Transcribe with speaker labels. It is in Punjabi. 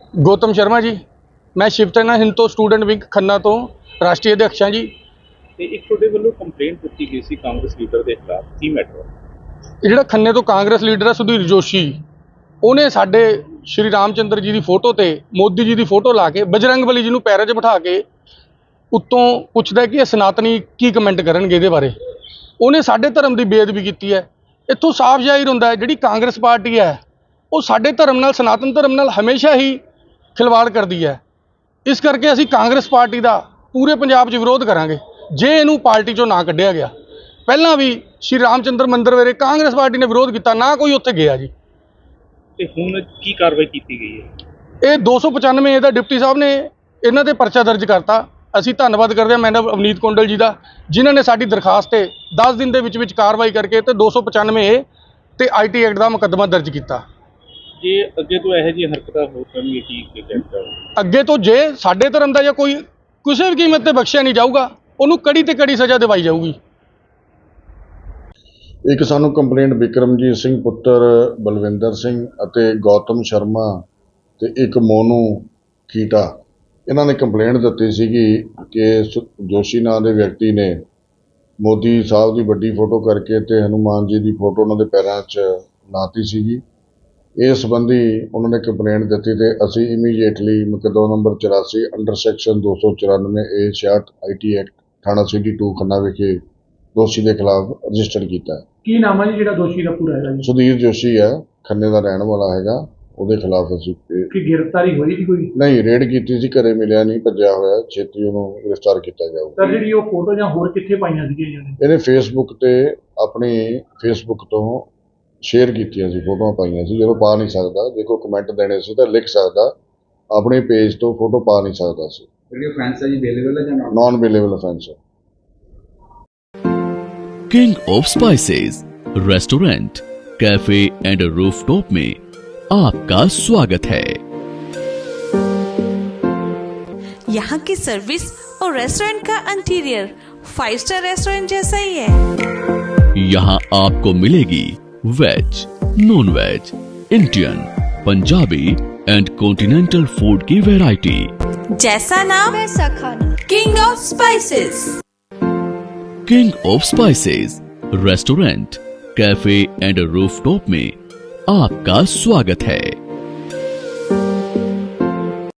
Speaker 1: गौतम शर्मा जी, मैं शिव सेना हिंद तो स्टूडेंट विंग खन्ना तो राष्ट्रीय अध्यक्ष हाँ जी।
Speaker 2: ਤੇ ਇੱਕ ਤੁਹਾਡੇ ਵੱਲੋਂ ਕੰਪਲੇਂਟ ਦਿੱਤੀ ਗਈ ਸੀ ਕਾਂਗਰਸ ਲੀਡਰ ਦੇ ਖਿਲਾਫ, ਕੀ ਮੈਟਰ?
Speaker 1: ਇਹ ਜਿਹੜਾ ਖੰਨੇ ਤੋਂ ਕਾਂਗਰਸ ਲੀਡਰ ਹੈ ਸੁਧੀਰ ਜੋਸ਼ੀ, ਉਹਨੇ ਸਾਡੇ ਸ਼੍ਰੀ ਰਾਮਚੰਦਰ ਜੀ ਦੀ ਫੋਟੋ ਤੇ ਮੋਦੀ ਜੀ ਦੀ ਫੋਟੋ ਲਾ ਕੇ ਬਜਰੰਗਬਲੀ ਜੀ ਨੂੰ ਪੈਰਾਂ 'ਚ ਬਿਠਾ ਕੇ ਉੱਤੋਂ ਪੁੱਛਦਾ ਕਿ ਇਹ ਸਨਾਤਨੀ ਕੀ ਕਮੈਂਟ ਕਰਨਗੇ ਇਹਦੇ ਬਾਰੇ। ਉਹਨੇ ਸਾਡੇ ਧਰਮ ਦੀ ਬੇਅਦਬੀ ਕੀਤੀ ਹੈ। ਇੱਥੋਂ ਸਾਫ਼ ਜ਼ਾਹਿਰ ਹੁੰਦਾ ਹੈ ਜਿਹੜੀ ਕਾਂਗਰਸ ਪਾਰਟੀ ਹੈ ਉਹ ਸਾਡੇ ਧਰਮ ਨਾਲ, ਸਨਾਤਨ ਧਰਮ ਨਾਲ ਹਮੇਸ਼ਾ ਹੀ ਖਿਲਵਾੜ ਕਰਦੀ ਹੈ। ਇਸ ਕਰਕੇ ਅਸੀਂ ਕਾਂਗਰਸ ਪਾਰਟੀ ਦਾ ਪੂਰੇ ਪੰਜਾਬ 'ਚ ਵਿਰੋਧ ਕਰਾਂਗੇ ਜੇ ਇਹਨੂੰ ਪਾਰਟੀ 'ਚੋਂ ਨਾ ਕੱਢਿਆ ਗਿਆ। ਪਹਿਲਾਂ ਵੀ ਸ਼੍ਰੀ ਰਾਮਚੰਦਰ ਮੰਦਿਰ ਵੇਲੇ ਕਾਂਗਰਸ ਪਾਰਟੀ ਨੇ ਵਿਰੋਧ ਕੀਤਾ, ਨਾ ਕੋਈ ਉੱਥੇ ਗਿਆ ਜੀ।
Speaker 2: ਤੇ ਹੁਣ ਕੀ ਕਾਰਵਾਈ ਕੀਤੀ ਗਈ ਹੈ?
Speaker 1: ਇਹ 295 ਇਹਦਾ ਡਿਪਟੀ ਸਾਹਿਬ ਨੇ ਇਹਨਾਂ ਤੇ ਪਰਚਾ ਦਰਜ ਕਰਤਾ। ਅਸੀਂ ਧੰਨਵਾਦ ਕਰਦੇ ਹਾਂ ਮੈਡਮ ਅਵਨੀਤ ਕੌਂਡਲ ਜੀ ਦਾ, ਜਿਨ੍ਹਾਂ ਨੇ ਸਾਡੀ ਦਰਖਾਸਤ ਤੇ 10 ਦਿਨ ਦੇ ਵਿੱਚ ਕਾਰਵਾਈ ਕਰਕੇ ਤੇ 295 ਤੇ IT ਐਕਟ ਦਾ ਮੁਕੱਦਮਾ ਦਰਜ ਕੀਤਾ।
Speaker 2: ਜੇ ਅੱਗੇ ਤੋਂ ਇਹੋ ਜਿਹੀ ਹਰਕਤਾਂ ਹੋ ਕਰਨਗੇ ਕੀ ਕਹਿਣਾ?
Speaker 1: ਅੱਗੇ ਤੋਂ ਜੇ ਸਾਡੇ ਧਰਮ ਦਾ ਜਾਂ ਕੋਈ ਕਿਸੇ ਵੀ ਕੀਮਤ ਤੇ ਬਖਸ਼ਿਆ ਨਹੀਂ ਜਾਊਗਾ, ਉਹਨੂੰ ਕੜੀ ਤੇ ਕੜੀ ਸਜ਼ਾ ਦਿਵਾਈ ਜਾਊਗੀ।
Speaker 3: ਇੱਕ ਸਾਨੂੰ ਕੰਪਲੇਂਟ ਵਿਕਰਮਜੀਤ ਸਿੰਘ ਪੁੱਤਰ ਬਲਵਿੰਦਰ ਸਿੰਘ ਅਤੇ ਗੌਤਮ ਸ਼ਰਮਾ ਤੇ ਇੱਕ ਮੋਨੂ ਕੀਟਾ, ਇਹਨਾਂ ਨੇ ਕੰਪਲੇਂਟ ਦਿੱਤੀ ਸੀਗੀ ਕਿ ਜੋਸ਼ੀ ਨਾਂ ਦੇ ਵਿਅਕਤੀ ਨੇ ਮੋਦੀ ਸਾਹਿਬ ਦੀ ਵੱਡੀ ਫੋਟੋ ਕਰਕੇ ਤੇ ਹਨੂਮਾਨ ਜੀ ਦੀ ਫੋਟੋ ਉਹਨਾਂ ਦੇ ਪੈਰਾਂ 'ਚ ਲਾਤੀ ਸੀਗੀ। ਇਸ ਸੰਬੰਧੀ ਉਹਨਾਂ ਨੇ ਕੰਪਲੇਂਟ ਦਿੱਤੀ ਤੇ ਅਸੀਂ ਇਮੀਡੀਏਟਲੀ ਮੁਕੱਦਮਾ number 84 under section 294A66 IT act ਥਾਣਾ ਸਿਟੀ 2 ਖੰਨਾ ਵਿਖੇ ਦੋਸ਼ੀ ਦੇ ਖਿਲਾਫ ਰਜਿਸਟਰ ਕੀਤਾ ਹੈ।
Speaker 4: ਕੀ ਨਾਮ ਹੈ ਜੀ ਜਿਹੜਾ ਦੋਸ਼ੀ ਦਾ ਪੂਰਾ ਹੈਗਾ ਜੀ?
Speaker 3: ਸੁਧੀਰ ਜੋਸ਼ੀ ਹੈ, ਖੰਨੇ ਦਾ ਰਹਿਣ ਵਾਲਾ ਹੈਗਾ। ਉਹਦੇ ਖਿਲਾਫ ਅਸੀਂ
Speaker 4: ਕੀ ਗ੍ਰਿਫਤਾਰੀ ਹੋਈ ਜੀ ਕੋਈ?
Speaker 3: ਨਹੀਂ, ਰੇਡ ਕੀਤੀ ਸੀ, ਘਰੇ ਮਿਲਿਆ ਨਹੀਂ, ਭੱਜਿਆ ਹੋਇਆ। ਛੇਤੀ ਉਹਨੂੰ ਗ੍ਰਿਫਤਾਰ ਕੀਤਾ ਜਾਊਗਾ।
Speaker 4: ਸਰ ਜਿਹੜੀ ਉਹ ਫੋਟੋ ਜਾਂ ਹੋਰ ਕਿੱਥੇ ਪਾਈਆਂ ਸੀਗੀਆਂ ਜੀ?
Speaker 3: ਇਹਨੇ ਫੇਸਬੁੱਕ ਤੇ ਆਪਣੀ ਫੇਸਬੁੱਕ ਤੋਂ ਸ਼ੇਅਰ ਕੀਤੀਆਂ ਸੀ, ਫੋਟੋਆਂ ਪਾਈਆਂ ਸੀ। ਜਦੋਂ ਪਾ ਨਹੀਂ ਸਕਦਾ, ਜੇ ਕੋਈ ਕਮੈਂਟ ਦੇਣੇ ਸੀ ਤਾਂ ਲਿਖ ਸਕਦਾ, ਆਪਣੇ ਪੇਜ ਤੋਂ ਫੋਟੋ ਪਾ ਨਹੀਂ ਸਕਦਾ ਸੀ।
Speaker 5: ਜਿਹੜੀ offense ਹੈ ਜੀ ਅਵੇਲੇਬਲ ਹੈ ਜਾਂ
Speaker 3: ਨॉन ਅਵੇਲੇਬਲ offense ਹੈ।
Speaker 6: King of Spices restaurant, cafe and rooftop में आपका स्वागत है।
Speaker 7: यहाँ की सर्विस और रेस्टोरेंट का इंटीरियर 5 स्टार रेस्टोरेंट जैसा ही है।
Speaker 6: यहाँ आपको मिलेगी veg, non veg, Indian, Punjabi and continental food की वैरायटी।
Speaker 7: जैसा नाम वैसा खाना। King of Spices.
Speaker 6: King of Spices restaurant, cafe and rooftop में आपका स्वागत है।